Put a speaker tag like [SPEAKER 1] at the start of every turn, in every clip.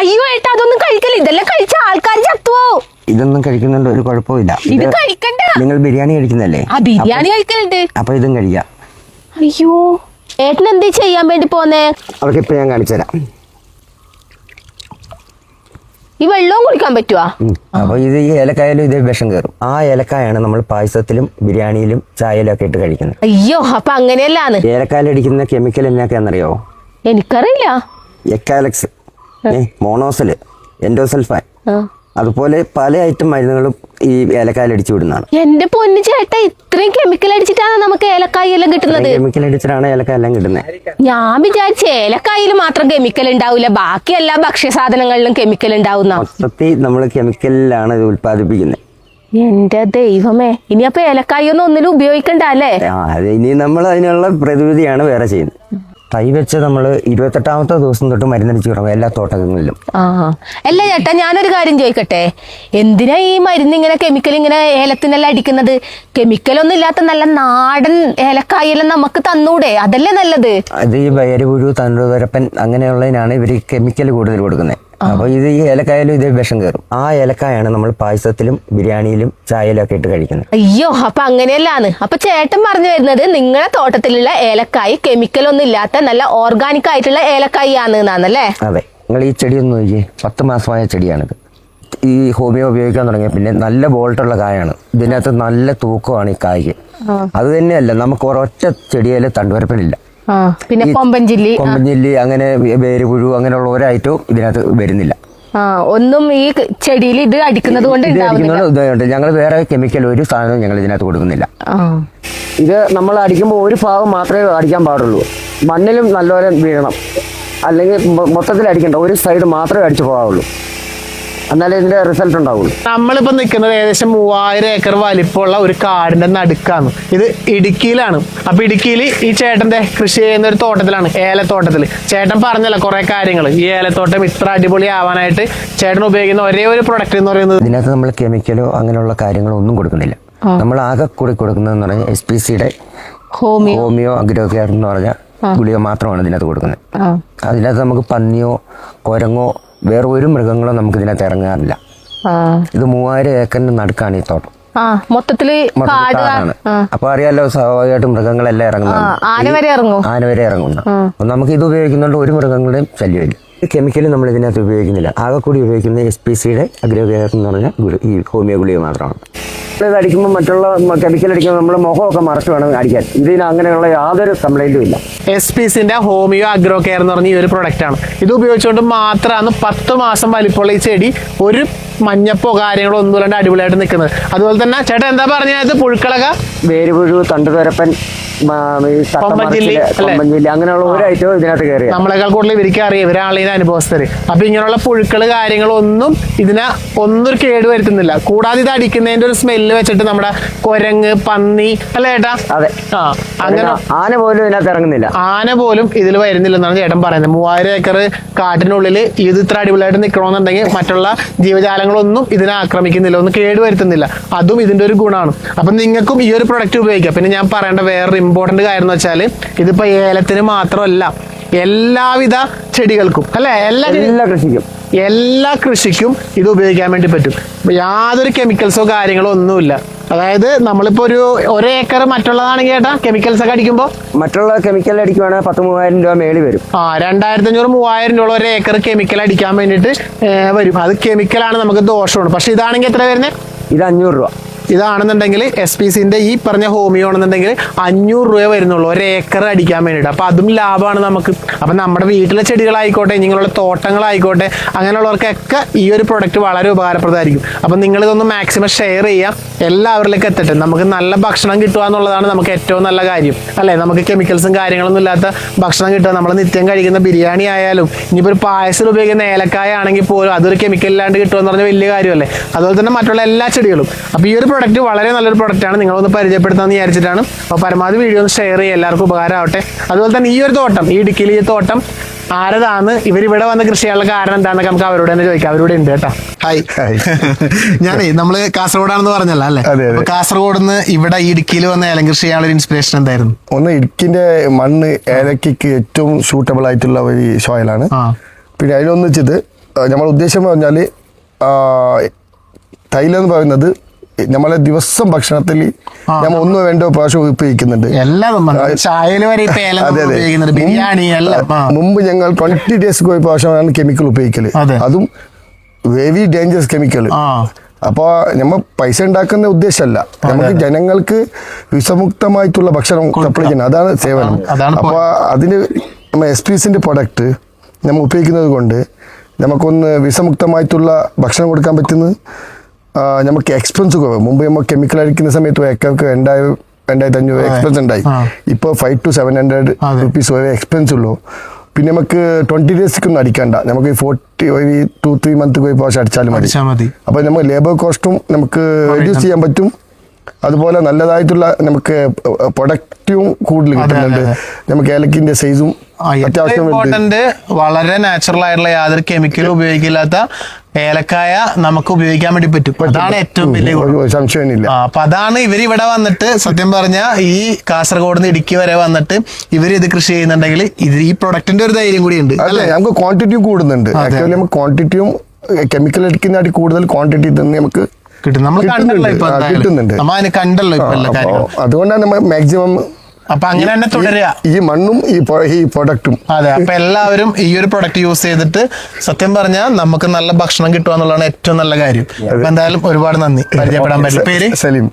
[SPEAKER 1] അയ്യോ ഏട്ടാ അതൊന്നും കഴിക്കല്ല, ഇതെല്ലാം കഴിച്ച ആൾക്കാർ ചത്തുവോ.
[SPEAKER 2] ഇതൊന്നും കഴിക്കുന്നുണ്ട് ഒരു കുഴപ്പമില്ല.
[SPEAKER 1] ഇത് കഴിക്കണ്ട.
[SPEAKER 2] നിങ്ങൾ ബിരിയാണി കഴിക്കുന്നല്ലേ?
[SPEAKER 1] ആ ബിരിയാണി കഴിക്കലുണ്ട്.
[SPEAKER 2] അപ്പൊ ഇതും കഴിക്കാം.
[SPEAKER 1] അയ്യോ ഏട്ടൻ എന്തേ ചെയ്യാൻ വേണ്ടി പോന്നേ?
[SPEAKER 2] അവർക്ക് ഇപ്പൊ ഞാൻ കാണിച്ചു തരാം.
[SPEAKER 1] ഈ വെള്ളവും കുടിക്കാൻ പറ്റുവാ?
[SPEAKER 2] അപ്പൊ ഇത് ഈ ഏലക്കായാലും ഇതേ വിഷം കയറും. ആ ഏലക്കായാണ് നമ്മൾ പായസത്തിലും ബിരിയാണിയിലും ചായയിലും ഒക്കെ ഇട്ട് കഴിക്കുന്നത്.
[SPEAKER 1] അയ്യോ അപ്പൊ അങ്ങനെയല്ലാന്ന്.
[SPEAKER 2] ഏലക്കായലടിക്കുന്ന കെമിക്കൽ എന്നൊക്കെയാണെന്നറിയാവോ?
[SPEAKER 1] എനിക്കറിയില്ല.
[SPEAKER 2] എക്കാലക്സ്, മോണോസല്, എൻഡോസൾഫാൻ, അതുപോലെ പല ഐറ്റം മരുന്നുകളും ഈ ഏലക്കായൽ അടിച്ചു വിടുന്നതാണ്.
[SPEAKER 1] എന്റെ പൊന്നു ചേട്ടാ, ഇത്രയും കെമിക്കൽ അടിച്ചിട്ടാണ് നമുക്ക് ഏലക്കായ എല്ലാം കിട്ടുന്നത്?
[SPEAKER 2] കെമിക്കൽ അടിച്ചിട്ടാണ് ഏലക്കായ എല്ലാം കിട്ടുന്നത്.
[SPEAKER 1] ഞാൻ വിചാരിച്ച ഏലക്കായിൽ മാത്രം കെമിക്കൽ ഉണ്ടാവില്ല, ബാക്കി എല്ലാ ഭക്ഷ്യ സാധനങ്ങളിലും കെമിക്കൽ ഉണ്ടാവുന്ന.
[SPEAKER 2] മൊത്തത്തിൽ നമ്മൾ കെമിക്കലിലാണ് ഇത് ഉത്പാദിപ്പിക്കുന്നത്.
[SPEAKER 1] എന്റെ ദൈവമേ, ഇനി അപ്പൊ ഏലക്കായ ഒന്നും ഒന്നിനും ഉപയോഗിക്കണ്ട അല്ലേ?
[SPEAKER 2] ഇനി നമ്മൾ അതിനുള്ള പ്രതിവിധിയാണ് വേറെ ചെയ്യുന്നത്. തൈ വെച്ച് നമ്മൾ 28ാമത്തെ ദിവസം തൊട്ട് മരുന്നടിച്ച് തുടങ്ങും എല്ലാ തോട്ടങ്ങളിലും.
[SPEAKER 1] അല്ല ചേട്ടാ, ഞാനൊരു കാര്യം ചോദിക്കട്ടെ, എന്തിനാ ഈ മരുന്ന് ഇങ്ങനെ കെമിക്കൽ ഇങ്ങനെ ഏലത്തിനെല്ലാം അടിക്കുന്നത്? കെമിക്കലൊന്നും ഇല്ലാത്ത നല്ല നാടൻ ഏലക്കായെല്ലാം നമുക്ക് തന്നൂടെ? അതല്ലേ നല്ലത്.
[SPEAKER 2] അത് ഈ വയറുപുഴു, തണ്ടുതുരപ്പൻ അങ്ങനെയുള്ളതിനാണ് ഇവർ കെമിക്കൽ കൂടുതൽ കൊടുക്കുന്നത്. അപ്പൊ ഇത് ഈ ഏലക്കായാലും ഇതേ വിഷം കയറും. ആ ഏലക്കായാണ് നമ്മൾ പായസത്തിലും ബിരിയാണിയിലും ചായയിലും ഒക്കെ ഇട്ട് കഴിക്കുന്നത്.
[SPEAKER 1] അയ്യോ അപ്പൊ അങ്ങനെയല്ലാന്ന്. അപ്പൊ ചേട്ടൻ പറഞ്ഞു വരുന്നത് നിങ്ങളുടെ തോട്ടത്തിലുള്ള ഏലക്കായ് കെമിക്കൽ ഒന്നും ഇല്ലാത്ത നല്ല ഓർഗാനിക് ആയിട്ടുള്ള ഏലക്കായ് ആണെന്നല്ലേ?
[SPEAKER 2] അതെ. നിങ്ങൾ ഈ ചെടി ഒന്ന് നോക്കിയേ, 10 മാസമായ ചെടിയാണിത്. ഈ ഹോമിയോ ഉപയോഗിക്കാൻ തുടങ്ങിയ പിന്നെ നല്ല ബോൾട്ടുള്ള കായാണ്. ഇതിനകത്ത് നല്ല തൂക്കമാണ് ഈ കായ്ക്ക്. അത് തന്നെയല്ല, നമുക്ക് ഒരൊറ്റ ചെടിയിൽ തണ്ടുവരപ്പനില്ല.
[SPEAKER 1] പിന്നെ കൊമ്പൻചില്ലി
[SPEAKER 2] അങ്ങനെ വേരുപുഴു അങ്ങനെയുള്ള ഒരൈറ്റവും ഇതിനകത്ത് വരുന്നില്ല.
[SPEAKER 1] ഒന്നും ഈ ചെടിയിൽ ഇത് അടിക്കുന്നത് കൊണ്ട്
[SPEAKER 2] ഞങ്ങൾ വേറെ കെമിക്കൽ ഒരു സാധനവും ഞങ്ങൾ ഇതിനകത്ത് കൊടുക്കുന്നില്ല. ഇത് നമ്മൾ അടിക്കുമ്പോൾ ഒരു ഭാഗം മാത്രമേ അടിക്കാൻ പാടുള്ളൂ. മണ്ണിലും നല്ലപോലെ വീഴണം, അല്ലെങ്കിൽ മൊത്തത്തിൽ അടിക്കണ്ട, ഒരു സൈഡ് മാത്രമേ അടിച്ചു പോകാവുള്ളൂ. എന്നാലേ ഇതിന്റെ റിസൾട്ട് ഉണ്ടാവുള്ളൂ.
[SPEAKER 3] നമ്മളിപ്പോ നിൽക്കുന്നത് ഏകദേശം 3000 ഏക്കർ വലിപ്പമുള്ള ഒരു കാടിന്റെ നടുക്കാണ്. ഇത് ഇടുക്കിയിലാണ്. അപ്പൊ ഇടുക്കിയിൽ ഈ ചേട്ടന്റെ കൃഷി ചെയ്യുന്ന ഒരു തോട്ടത്തിലാണ്, ഏലത്തോട്ടത്തിൽ. ചേട്ടൻ പറഞ്ഞല്ലോ കുറെ കാര്യങ്ങൾ. ഈ ഏലത്തോട്ടം ഇത്ര അടിപൊളി ആവാനായിട്ട് ചേട്ടൻ ഉപയോഗിക്കുന്ന ഒരേ ഒരു പ്രൊഡക്റ്റ് എന്ന് പറയുന്നത്,
[SPEAKER 2] ഇതിനകത്ത് നമ്മൾ കെമിക്കലോ അങ്ങനെയുള്ള കാര്യങ്ങളോ ഒന്നും കൊടുക്കുന്നില്ല. നമ്മൾ ആകെ കൂടി കൊടുക്കുന്നതെന്ന് പറഞ്ഞാൽ SPCയുടെ ഹോമിയോ അഗ്രോ കെയർ എന്ന് പറഞ്ഞ ഗുളിക മാത്രമാണ് ഇതിനകത്ത് കൊടുക്കുന്നത്. അതിനകത്ത് നമുക്ക് പന്നിയോ കുരങ്ങോ വേറെ ഒരു മൃഗങ്ങളോ നമുക്ക് ഇതിനകത്ത് ഇറങ്ങാറില്ല. ഇത് 3000 ഏക്കറിന് നടുക്കാണ് ഈ തോട്ടം.
[SPEAKER 1] മൊത്തത്തില്
[SPEAKER 2] കാടാണ്. അപ്പൊ അറിയാലോ, സ്വാഭാവികമായിട്ടും മൃഗങ്ങളെല്ലാം ഇറങ്ങുന്നുണ്ട്. ആന വരെ ഇറങ്ങുന്നു. അപ്പൊ നമുക്ക് ഇത് ഉപയോഗിക്കുന്നുണ്ട് ഒരു മൃഗങ്ങളുടെയും ശല്യമില്ല. കെമിക്കൽ നമ്മൾ ഇതിനകത്ത് ഉപയോഗിക്കുന്നില്ല. ആകെ കൂടി ഉപയോഗിക്കുന്നത് SPCയുടെ അഗ്രോ കെയർ എന്ന് പറഞ്ഞ ഈ ഹോമിയോ ഗുളിക മാത്രമാണ്. ഇത് അടിക്കുമ്പോൾ മറ്റുള്ള കെമിക്കൽ അടിക്കുമ്പോൾ നമ്മൾ മുഖമൊക്കെ മറച്ചു വേണം അടിക്കാൻ. ഇതിന് അങ്ങനെയുള്ള യാതൊരു കംപ്ലൈന്റും ഇല്ല.
[SPEAKER 3] SPCന്റെ ഹോമിയോ അഗ്രോ കെയർ എന്ന് പറഞ്ഞ ഈ ഒരു പ്രൊഡക്റ്റ് ആണ്. ഇത് ഉപയോഗിച്ചുകൊണ്ട് മാത്രമാണ് 10 മാസം വലിപ്പമുള്ള ഈ ചെടി ഒരു മഞ്ഞപ്പോ കാര്യങ്ങളോ ഒന്നും ഇല്ലാണ്ട് അടിപൊളിയായിട്ട് നിൽക്കുന്നത്. അതുപോലെ തന്നെ ചേട്ടൻ എന്താ പറഞ്ഞത്? പുഴുക്കളക,
[SPEAKER 2] വേരുപുഴു, തണ്ടുതുരപ്പൻ, കൊമ്പൻചില്ലി അങ്ങനെയുള്ള ഒരു ഐറ്റവും ഇതിനകത്ത് കയറി.
[SPEAKER 3] നമ്മളെക്കാൾ കൂടുതൽ ഇവർക്ക് അറിയാം, ഇവരാണ് ഇതിന്റെ അനുഭവസ്ഥര്. അപ്പൊ ഇങ്ങനെയുള്ള പുഴുക്കള് കാര്യങ്ങളൊന്നും ഇതിനെ ഒന്നും കേട് വരുത്തുന്നില്ല. കൂടാതെ ഇത് അടിക്കുന്നതിന്റെ ഒരു സ്മെല്ല് വെച്ചിട്ട് നമ്മുടെ കുരങ്ങ്, പന്നി അല്ലേ ചേട്ടാ?
[SPEAKER 2] അതെ.
[SPEAKER 3] അങ്ങനെ
[SPEAKER 2] ആന പോലും ഇതിനകത്ത് ഇറങ്ങുന്നില്ല.
[SPEAKER 3] ആന പോലും ഇതിൽ വരുന്നില്ലെന്നാണ് ചേട്ടൻ പറയുന്നത്. 3000 ഏക്കർ കാട്ടിനുള്ളിൽ ഇത് ഇത്ര അടിപൊളിയായിട്ട് നിൽക്കണമെന്നുണ്ടെങ്കിൽ മറ്റുള്ള ജീവജാലങ്ങളൊന്നും ഇതിനെ ആക്രമിക്കുന്നില്ല, ഒന്നും കേടുവരുത്തുന്നില്ല. അതും ഇതിന്റെ ഒരു ഗുണമാണ്. അപ്പൊ നിങ്ങൾക്കും ഈ ഒരു പ്രൊഡക്റ്റ് ഉപയോഗിക്കാം. പിന്നെ ഞാൻ പറയേണ്ട വേറൊരു ഇമ്പോർട്ടന്റ് കാര്യം എന്ന് വെച്ചാൽ, ഇതിപ്പോ ഏലത്തിന് മാത്രമല്ല, എല്ലാവിധ ചെടികൾക്കും അല്ലെ, എല്ലാ കൃഷിക്കും ഇത് ഉപയോഗിക്കാൻ വേണ്ടി പറ്റും. യാതൊരു കെമിക്കൽസോ കാര്യങ്ങളോ ഒന്നുമില്ല. അതായത് നമ്മളിപ്പോ ഒരു ഏക്കർ മറ്റുള്ളതാണെങ്കിൽ ചേട്ടാ കെമിക്കൽസ് ഒക്കെ അടിക്കുമ്പോൾ,
[SPEAKER 2] മറ്റുള്ള കെമിക്കൽ അടിക്കുവാണെങ്കിൽ 10,000-3000 രൂപ മേളിൽ വരും.
[SPEAKER 3] 2500-3000 രൂപ ഒരു ഏക്കർ കെമിക്കൽ അടിക്കാൻ വേണ്ടിയിട്ട് വരും. അത് കെമിക്കലാണ്, നമുക്ക് ദോഷമാണ്. പക്ഷെ ഇതാണെങ്കിൽ എത്ര വരുന്നത്?
[SPEAKER 2] ഇത് 500 രൂപ.
[SPEAKER 3] ഇതാണെന്നുണ്ടെങ്കിൽ SPCന്റെ ഈ പറഞ്ഞ ഹോമിയോ ആണെന്നുണ്ടെങ്കിൽ 500 രൂപ വരുന്നുള്ളൂ ഒരു ഏക്കർ അടിക്കാൻ വേണ്ടിയിട്ട്. അപ്പൊ അതും ലാഭമാണ് നമുക്ക്. അപ്പൊ നമ്മുടെ വീട്ടിലെ ചെടികളായിക്കോട്ടെ, നിങ്ങളുടെ തോട്ടങ്ങളായിക്കോട്ടെ, അങ്ങനെയുള്ളവർക്കൊക്കെ ഈ ഒരു പ്രൊഡക്റ്റ് വളരെ ഉപകാരപ്രദമായിരിക്കും. അപ്പൊ നിങ്ങളിതൊന്ന് മാക്സിമം ഷെയർ ചെയ്യാം, എല്ലാവരിലേക്ക് എത്തട്ടെ. നമുക്ക് നല്ല ഭക്ഷണം കിട്ടുക എന്നുള്ളതാണ് നമുക്ക് ഏറ്റവും നല്ല കാര്യം അല്ലെ. നമുക്ക് കെമിക്കൽസും കാര്യങ്ങളൊന്നും ഇല്ലാത്ത ഭക്ഷണം കിട്ടുക. നമ്മൾ നിത്യം കഴിക്കുന്ന ബിരിയാണി ആയാലും, ഇനിയിപ്പോൾ ഒരു പായസത്തിൽ ഉപയോഗിക്കുന്ന ഏലക്കായ ആണെങ്കിൽ പോലും അതൊരു കെമിക്കൽ ഇല്ലാണ്ട് കിട്ടുക എന്ന് പറഞ്ഞാൽ വലിയ കാര്യമല്ലേ. അതുപോലെ തന്നെ മറ്റുള്ള എല്ലാ ചെടികളും. അപ്പൊ ഈ ഒരു പ്രൊഡക്റ്റ് വളരെ നല്ലൊരു പ്രൊഡക്റ്റാണ്, നിങ്ങളൊന്ന് പരിചയപ്പെടുത്താമെന്ന് വിചാരിച്ചിട്ടാണ്. അപ്പോൾ പരമാവധി വീഡിയോ ഒന്ന് ഷെയർ ചെയ്യുക, എല്ലാവർക്കും ഉപകാരമാവട്ടെ. അതുപോലെ തന്നെ ഈ ഒരു തോട്ടം, ഈ ഇടുക്കിയിൽ ഈ തോട്ടം ആരതാണ്, ഇവരിവിടെ വന്ന് കൃഷി ചെയ്യാനുള്ള കാരണം എന്താണെന്നൊക്കെ നമുക്ക് അവരോട് തന്നെ ചോദിക്കാം. അവരോട് ഉണ്ട് കേട്ടോ. ഹായ്. ഞാനേ നമ്മള് കാസർഗോഡാണെന്ന് പറഞ്ഞല്ലോ അല്ലേ? കാസർഗോഡ് നിന്ന് ഇവിടെ ഇടുക്കിയിൽ വന്ന് ഏലം കൃഷി ചെയ്യാനുള്ള ഇൻസ്പിറേഷൻ എന്തായിരുന്നു?
[SPEAKER 4] ഒന്ന്, ഇടുക്കിന്റെ മണ്ണ് ഏലക്കയ്ക്ക് ഏറ്റവും സൂട്ടബിൾ ആയിട്ടുള്ള ഒരു സോയിലാണ്. പിന്നെ അതിലൊന്ന് വെച്ചത് നമ്മളെ ഉദ്ദേശം പറഞ്ഞാൽ തൈലം എന്ന് പറയുന്നത് നമ്മളെ ദിവസം ഭക്ഷണത്തിൽ നമ്മൾ ഒന്നോ രണ്ടോ പ്രാവശ്യം ഉപയോഗിക്കുന്നുണ്ട്.
[SPEAKER 3] ചായയിൽ വരെ ബിരിയാണി എല്ലാം.
[SPEAKER 4] മുമ്പ് ഞങ്ങൾ 20 days ഒരു പ്രാവശ്യമാണ് കെമിക്കൽ ഉപയോഗിക്കല്. അതും വെരി ഡേഞ്ചറസ് കെമിക്കൽ. അപ്പോൾ നമ്മൾ പൈസ ഉണ്ടാക്കുന്ന ഉദ്ദേശമല്ല, നമുക്ക് ജനങ്ങൾക്ക് വിഷമുക്തമായിട്ടുള്ള ഭക്ഷണം സപ്ലൈ ചെയ്യണം, അതാണ് സേവനം. അപ്പോൾ അതിന് നമ്മൾ SPCന്റെ പ്രൊഡക്റ്റ് നമ്മൾ ഉപയോഗിക്കുന്നത് കൊണ്ട് നമുക്കൊന്ന് വിഷമുക്തമായിട്ടുള്ള ഭക്ഷണം കൊടുക്കാൻ പറ്റുന്നത്. നമുക്ക് എക്സ്പെൻസ് കുറവ്. മുമ്പ് നമ്മൾ കെമിക്കൽ അടിക്കുന്ന സമയത്ത് ഏക്കർക്ക് 2,500 എക്സ്പെൻസ് ഉണ്ടായി. ഇപ്പോൾ 500 to 700 rupees വരെ എക്സ്പെൻസ് ഉള്ളൂ. പിന്നെ നമുക്ക് 20 daysക്കൊന്നും അടിക്കണ്ട, നമുക്ക് 2-3 month പോയി പ്രാവശ്യം അടിച്ചാലും മതി. അപ്പോൾ നമുക്ക് ലേബർ കോസ്റ്റും നമുക്ക് റെഡ്യൂസ് ചെയ്യാൻ പറ്റും. അതുപോലെ നല്ലതായിട്ടുള്ള നമുക്ക് പ്രൊഡക്റ്റും കൂടുതൽ കിട്ടുന്നുണ്ട്. നമുക്ക് ഏലക്കിന്റെ സൈസും അത്യാവശ്യം
[SPEAKER 3] വളരെ നാച്ചുറൽ ആയിട്ടുള്ള യാതൊരു കെമിക്കലും ഉപയോഗിക്കില്ലാത്ത ഏലക്കായ നമുക്ക് ഉപയോഗിക്കാൻ വേണ്ടി പറ്റും. അതാണ് ഏറ്റവും വലിയ
[SPEAKER 4] സംശയമില്ല.
[SPEAKER 3] അപ്പൊ അതാണ് ഇവരിവിടെ വന്നിട്ട് സത്യം പറഞ്ഞ ഈ കാസർഗോഡ് നിന്ന് ഇടുക്കി വരെ വന്നിട്ട് ഇവർ ഇത് കൃഷി ചെയ്യുന്നുണ്ടെങ്കിൽ ഇത് ഈ പ്രൊഡക്റ്റിന്റെ ഒരു ധൈര്യം കൂടി ഉണ്ട്.
[SPEAKER 4] അല്ലേ, നമുക്ക് ക്വാണ്ടിറ്റിയും കൂടുന്നുണ്ട്. ആക്ച്വലി നമുക്ക് ക്വാണ്ടിറ്റിയും കെമിക്കൽ അടിക്കുന്നതായിട്ട് കൂടുതൽ ക്വാണ്ടിറ്റി തന്നെ നമുക്ക്
[SPEAKER 3] കിട്ടുന്നുണ്ട്.
[SPEAKER 4] അതുകൊണ്ടാണ് നമ്മൾ മാക്സിമം
[SPEAKER 3] അപ്പൊ അങ്ങനെ തന്നെ തുടരുക,
[SPEAKER 4] ഈ മണ്ണും ഈ പ്രൊഡക്റ്റും.
[SPEAKER 3] അതെ, അപ്പൊ എല്ലാവരും ഈ ഒരു പ്രൊഡക്റ്റ് യൂസ് ചെയ്തിട്ട് സത്യം പറഞ്ഞാൽ നമുക്ക് നല്ല ഭക്ഷണം കിട്ടുക എന്നുള്ളതാണ് ഏറ്റവും നല്ല കാര്യം. അപ്പൊ എന്തായാലും ഒരുപാട് നന്ദി. പരിചയപ്പെടാൻ പറ്റില്ല. പേര്?
[SPEAKER 4] സലീം.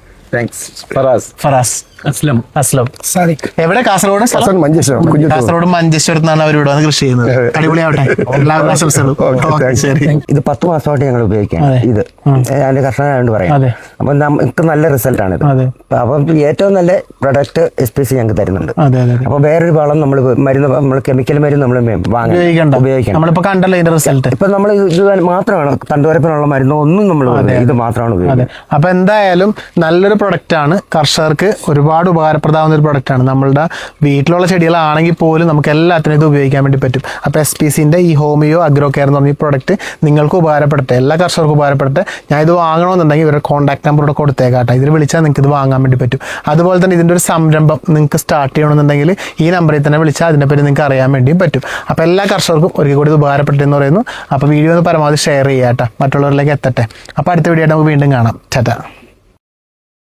[SPEAKER 3] ഫറാസ്. അസ്ലം. എവിടെ? കാസർഗോഡ്. കാസർഗോഡ് മഞ്ചേശ്വരത്താണ് അവർ ഇവിടെ വന്ന് കൃഷി ചെയ്യുന്നത്. അടിപൊളിയാവട്ടെ. എല്ലാവരും ആശംസകളും.
[SPEAKER 2] ഇത് 10 മാസമായിട്ട് ഞങ്ങൾ ഉപയോഗിക്കാം. ഇത് അതിന്റെ കർഷകനായോണ്ട് പറയാം. അപ്പൊ നമുക്ക് നല്ല റിസൾട്ട് ആണ് ഇത്. അപ്പം ഏറ്റവും നല്ല പ്രൊഡക്റ്റ് SPC ഞങ്ങൾക്ക് തരുന്നുണ്ട്. അപ്പൊ വേറൊരു വളം നമ്മൾ മരുന്ന്, നമ്മൾ കെമിക്കൽ മരുന്ന് നമ്മൾ ഉപയോഗിക്കണം.
[SPEAKER 3] നമ്മളിപ്പോ കണ്ടല്ലോ ഇതിന്റെ റിസൾട്ട്.
[SPEAKER 2] ഇപ്പൊ നമ്മൾ ഇത് മാത്രമാണ്, തണ്ടുവരപ്പിനുള്ള മരുന്നോ ഒന്നും നമ്മൾ ഇത് മാത്രമാണ് ഉപയോഗിക്കുന്നത്.
[SPEAKER 3] അപ്പൊ എന്തായാലും നല്ലൊരു പ്രൊഡക്റ്റ് ആണ്, കർഷകർക്ക് ഒരുപാട് ഉപകാരപ്രദമാകുന്ന ഒരു പ്രൊഡക്റ്റ് ആണ്. നമ്മളുടെ വീട്ടിലുള്ള ചെടികളാണെങ്കിൽ പോലും നമുക്ക് എല്ലാത്തിനും ഇത് ഉപയോഗിക്കാൻ വേണ്ടി പറ്റും. അപ്പോൾ SPCന്റെ ഈ ഹോമിയോ അഗ്രോ കെയർ എന്ന് പറഞ്ഞ ഈ പ്രൊഡക്റ്റ് നിങ്ങൾക്ക് ഉപകാരപ്പെടട്ടെ, എല്ലാ കർഷകർക്കും ഉപകാരപ്പെടട്ടെ. ഞാൻ ഇത് വാങ്ങണമെന്നുണ്ടെങ്കിൽ ഇവരുടെ കോൺടാക്ട് നമ്പർ ഇവിടെ കൊടുത്തേക്കാട്ടെ. ഇതിൽ വിളിച്ചാൽ നിങ്ങൾക്ക് ഇത് വാങ്ങാൻ വേണ്ടി പറ്റും. അതുപോലെ തന്നെ ഇതിൻ്റെ ഒരു സംരംഭം നിങ്ങൾക്ക് സ്റ്റാർട്ട് ചെയ്യണമെന്നുണ്ടെങ്കിൽ ഈ നമ്പറിൽ തന്നെ വിളിച്ചാൽ അതിനെപ്പറ്റി നിങ്ങൾക്ക് അറിയാൻ വേണ്ടിയും പറ്റും. അപ്പോൾ എല്ലാ കർഷകർക്കും ഒരിക്കൽ കൂടി ഇത് ഉപകാരപ്പെട്ടെ എന്ന് പറയുന്നു. അപ്പോൾ വീഡിയോ ഒന്ന് പരമാവധി ഷെയർ ചെയ്യാം കേട്ടോ, മറ്റുള്ളവരിലേക്ക് എത്തട്ടെ. അപ്പോൾ അടുത്ത വീഡിയോ നമുക്ക് വീണ്ടും കാണാം. ടാറ്റാ.